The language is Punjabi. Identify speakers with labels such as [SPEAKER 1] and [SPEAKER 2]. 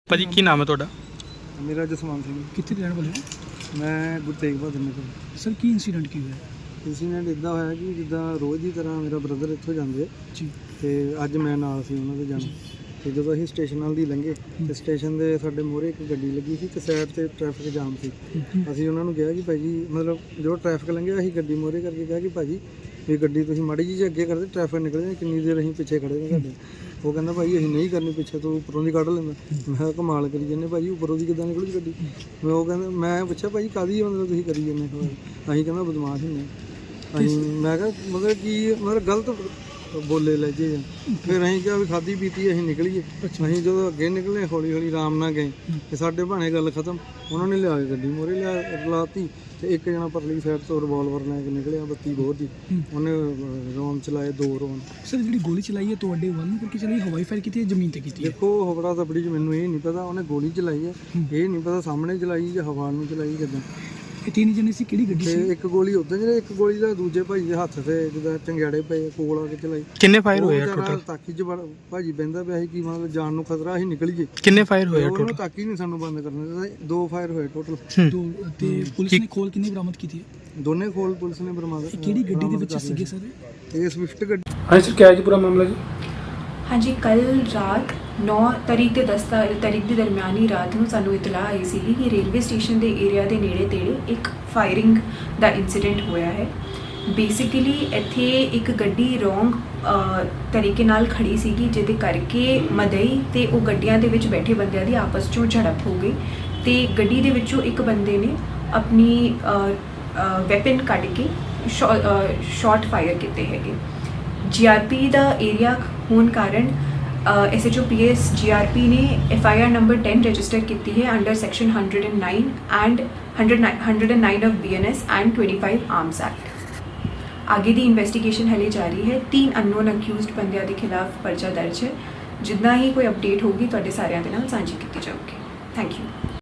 [SPEAKER 1] ਭਾਜੀ ਕੀ ਨਾਮ ਹੈ ਤੁਹਾਡਾ?
[SPEAKER 2] ਮੇਰਾ ਜਸਵੰਤ ਸਿੰਘ।
[SPEAKER 3] ਕਿੱਥੇ ਦੇ ਰਹਿਣ ਵਾਲੇ ਹੋ?
[SPEAKER 2] ਮੈਂ ਗੁਰੂ ਤੇਗ ਬਹਾਦਰ ਨਗਰ।
[SPEAKER 3] ਸਰ ਕੀ ਇੰਸੀਡੈਂਟ ਕੀ ਹੋਇਆ?
[SPEAKER 2] ਇੰਸੀਡੈਂਟ ਇੱਦਾਂ ਹੋਇਆ ਕਿ ਜਿੱਦਾਂ ਰੋਜ਼ ਦੀ ਤਰ੍ਹਾਂ ਮੇਰਾ ਬ੍ਰਦਰ ਇੱਥੋਂ ਜਾਂਦੇ
[SPEAKER 3] ਜੀ
[SPEAKER 2] ਤੇ ਅੱਜ ਮੈਂ ਨਾਲ ਸੀ ਉਹਨਾਂ ਦੇ ਜਾਣਾ। ਤੇ ਜਦੋਂ ਅਸੀਂ ਸਟੇਸ਼ਨ ਨਾਲ ਦੀ ਲੰਘੇ ਤੇ ਸਟੇਸ਼ਨ ਦੇ ਸਾਡੇ ਮੋਹਰੇ ਇੱਕ ਗੱਡੀ ਲੱਗੀ ਸੀ ਤੇ ਸਾਈਡ ਤੇ ਟ੍ਰੈਫਿਕ ਜਾਮ ਸੀ। ਅਸੀਂ ਉਹਨਾਂ ਨੂੰ ਕਿਹਾ ਕਿ ਭਾਈ ਜੀ ਮਤਲਬ ਜੋ ਟ੍ਰੈਫਿਕ ਲੰਘਿਆ ਅਸੀਂ ਗੱਡੀ ਮੋਹਰੇ ਕਰਕੇ ਕਿਹਾ ਕਿ ਭਾਜੀ ਵੀ ਗੱਡੀ ਤੁਸੀਂ ਮਾੜੀ ਜਿਹੀ ਅੱਗੇ ਕਰਦੇ ਟ੍ਰੈਫਿਕ ਨਿਕਲ ਜਾਏ, ਕਿੰਨੀ ਦੇਰ ਅਸੀਂ ਪਿੱਛੇ ਖੜੇ ਨੇ ਤੁਹਾਡੇ। ਉਹ ਕਹਿੰਦਾ ਭਾਈ ਅਸੀਂ ਨਹੀਂ ਕਰਨੀ ਪਿੱਛੇ, ਤੋਂ ਉੱਪਰੋਂ ਦੀ ਕੱਢ ਲੈਂਦਾ। ਮੈਂ ਕਿਹਾ ਕਮਾਲ ਕਰੀ ਜਾਂਦੇ ਭਾਜੀ, ਉੱਪਰੋਂ ਦੀ ਕਿੱਦਾਂ ਨਿਕਲੂ ਗੱਡੀ। ਉਹ ਕਹਿੰਦਾ, ਮੈਂ ਪੁੱਛਿਆ ਭਾਜੀ ਕਾਹਦੀ ਮਤਲਬ ਤੁਸੀਂ ਕਰੀ ਜਾਂਦੇ? ਅਸੀਂ ਕਹਿੰਦਾ ਬਦਮਾਸ਼ ਹੁੰਦੇ ਅਸੀਂ। ਮੈਂ ਕਿਹਾ ਮਤਲਬ ਕੀ ਮਤਲਬ ਗਲਤ ਬੋਲੇ ਲੱਗੇ। ਫਿਰ ਅਸੀਂ ਕਿਹਾ ਵੀ ਖਾਧੀ ਪੀਤੀ ਅਸੀਂ ਨਿਕਲੀਏ। ਅਸੀਂ ਜਦੋਂ ਅੱਗੇ ਨਿਕਲੇ ਹੌਲੀ ਹੌਲੀ ਆਰਾਮ ਨਾਲ ਗਏ ਤੇ ਸਾਡੇ ਭਾਣੇ ਗੱਲ ਖਤਮ। ਉਹਨਾਂ ਨੇ ਲਿਆ ਕੇ ਗੱਡੀ ਮੋਹਰੇ ਲਾਤੀ ਤੇ ਇੱਕ ਜਣਾ ਪਰਲੀ ਸਾਈਡ ਤੋਂ ਰਿਵਾਲਵਰ ਲੈ ਕੇ ਨਿਕਲਿਆ 32 ਬੋਰ ਦੀ। ਉਹਨੇ ਰੌਂਦ ਚਲਾਏ 2 ਰੌਂਦ।
[SPEAKER 3] ਸਰ ਜਿਹੜੀ ਗੋਲੀ ਚਲਾਈ ਹੈ ਤੁਹਾਡੇ ਵੱਲ ਨੂੰ ਕਰਕੇ ਚਲਾਈ, ਹਵਾਈ ਫਾਇਰ ਕੀਤੀ ਹੈ ਜ਼ਮੀਨ ਤੇ ਕੀਤੀ ਹੈ?
[SPEAKER 2] ਦੇਖੋ ਹਵੜਾ ਤਬੜੀ 'ਚ ਮੈਨੂੰ ਇਹ ਨਹੀਂ ਪਤਾ ਉਹਨੇ ਗੋਲੀ ਚਲਾਈ ਹੈ, ਇਹ ਨਹੀਂ ਪਤਾ ਸਾਹਮਣੇ ਚਲਾਈ ਜਾਂ ਹਵਾ ਨੂੰ ਚਲਾਈ ਕਿੱਦਾਂ।
[SPEAKER 3] ਇਹ 3 ਜਣੇ ਸੀ, ਕਿਹੜੀ ਗੱਡੀ
[SPEAKER 2] ਤੇ
[SPEAKER 3] ਸੀ?
[SPEAKER 2] ਇੱਕ ਗੋਲੀ ਉੱਧਰ ਜਿਹੜੇ ਇੱਕ ਗੋਲੀ ਦਾ ਦੂਜੇ ਭਾਈ ਦੇ ਹੱਥ ਤੇ ਜਿੱਦਾਂ ਚੰਗਿਆੜੇ ਪਏ ਕੋਲ ਆ ਕੇ ਚਲਾਈ।
[SPEAKER 1] ਕਿੰਨੇ ਫਾਇਰ ਹੋਏ ਆ ਟੋਟਲ?
[SPEAKER 2] ਤਾਕੀ 'ਚ ਭਾਜੀ ਬਹਿੰਦਾ ਪਿਆ ਸੀ ਕਿ ਮਤਲਬ ਜਾਨ ਨੂੰ ਖਤਰਾ ਅਸੀਂ ਨਿਕਲੀਏ।
[SPEAKER 1] ਕਿੰਨੇ ਫਾਇਰ ਹੋਏ ਆ
[SPEAKER 2] ਉਹਨੂੰ
[SPEAKER 1] ਟੋਟਲ?
[SPEAKER 2] ਤਾਕੀ ਨਹੀਂ ਸਾਨੂੰ ਬੰਦ ਕਰਨ ਦਿੱਤਾ। 2 ਫਾਇਰ ਹੋਏ ਟੋਟਲ।
[SPEAKER 3] ਤੇ ਪੁਲਿਸ ਨੇ ਖੋਲ ਕਿੰਨੀ ਬਰਾਮਦ ਕੀਤੀ ਹੈ?
[SPEAKER 2] ਦੋਨੇ ਖੋਲ ਪੁਲਿਸ ਨੇ ਬਰਾਮਦ।
[SPEAKER 3] ਕਿਹੜੀ ਗੱਡੀ ਦੇ ਵਿੱਚ ਸੀਗੇ ਸਰ?
[SPEAKER 2] ਇਹ ਸਵਿਫਟ ਗੱਡੀ।
[SPEAKER 1] ਹਾਂ ਸਰ, ਕਿਆ ਹੈ ਜੀ ਪੂਰਾ ਮਾਮਲਾ ਜੀ?
[SPEAKER 4] हाँ जी, कल रात 9 तारीख ਤੇ 10 ਤਾਰੀਖ ਦੇ ਦਰਮਿਆਨੀ ਰਾਤ ਨੂੰ ਸਾਨੂੰ ਇਤਲਾਹ ਆਈ ਸੀ ਕਿ ਰੇਲਵੇ ਸਟੇਸ਼ਨ ਦੇ ਏਰੀਆ ਦੇ ਨੇੜੇ ਤੇੜੇ ਇੱਕ ਫਾਇਰਿੰਗ ਦਾ ਇਨਸੀਡੈਂਟ ਹੋਇਆ ਹੈ। ਬੇਸਿਕਲੀ ਇੱਥੇ ਇੱਕ ਗੱਡੀ ਰੋਂਗ ਤਰੀਕੇ ਨਾਲ ਖੜੀ ਸੀਗੀ, ਜਿਹਦੇ ਕਰਕੇ ਮਦਈ ਤੇ ਉਹ ਗੱਡੀਆਂ ਦੇ ਵਿੱਚ ਬੈਠੇ ਬੰਦਿਆਂ ਦੀ ਆਪਸ 'ਚੋਂ ਝੜਪ ਹੋ ਗਈ ਤੇ ਗੱਡੀ ਦੇ ਵਿੱਚੋਂ ਇੱਕ ਬੰਦੇ ਨੇ ਆਪਣੀ ਵੈਪਨ ਕੱਢ ਕੇ ਸ਼ਾਟ ਫਾਇਰ ਕੀਤੇ ਹੈਗੇ। GRP ਦਾ ਏਰੀਆ ਹੋਣ ਕਾਰਨ SHO PS GRP ਨੇ FIR ਨੰਬਰ 10 ਰਜਿਸਟਰ ਕੀਤੀ ਹੈ under section 109 and 109 of BNS and 25 arms act. ਆਗੇ ਦੀ ਇਨਵੈਸਟੀਗੇਸ਼ਨ ਹਲੇ ਜਾਰੀ ਹੈ। 3 ਅਨਨੋਨ ਅਕਿਊਜ਼ਡ ਬੰਦਿਆਂ ਦੇ ਖਿਲਾਫ ਪਰਚਾ ਦਰਜ ਹੈ। ਜਿੱਦਾਂ ਹੀ ਕੋਈ ਅਪਡੇਟ ਹੋਗੀ ਤੁਹਾਡੇ ਸਾਰਿਆਂ ਦੇ ਨਾਲ ਸਾਂਝੀ ਕੀਤੀ ਜਾਊਗੀ। Thank you.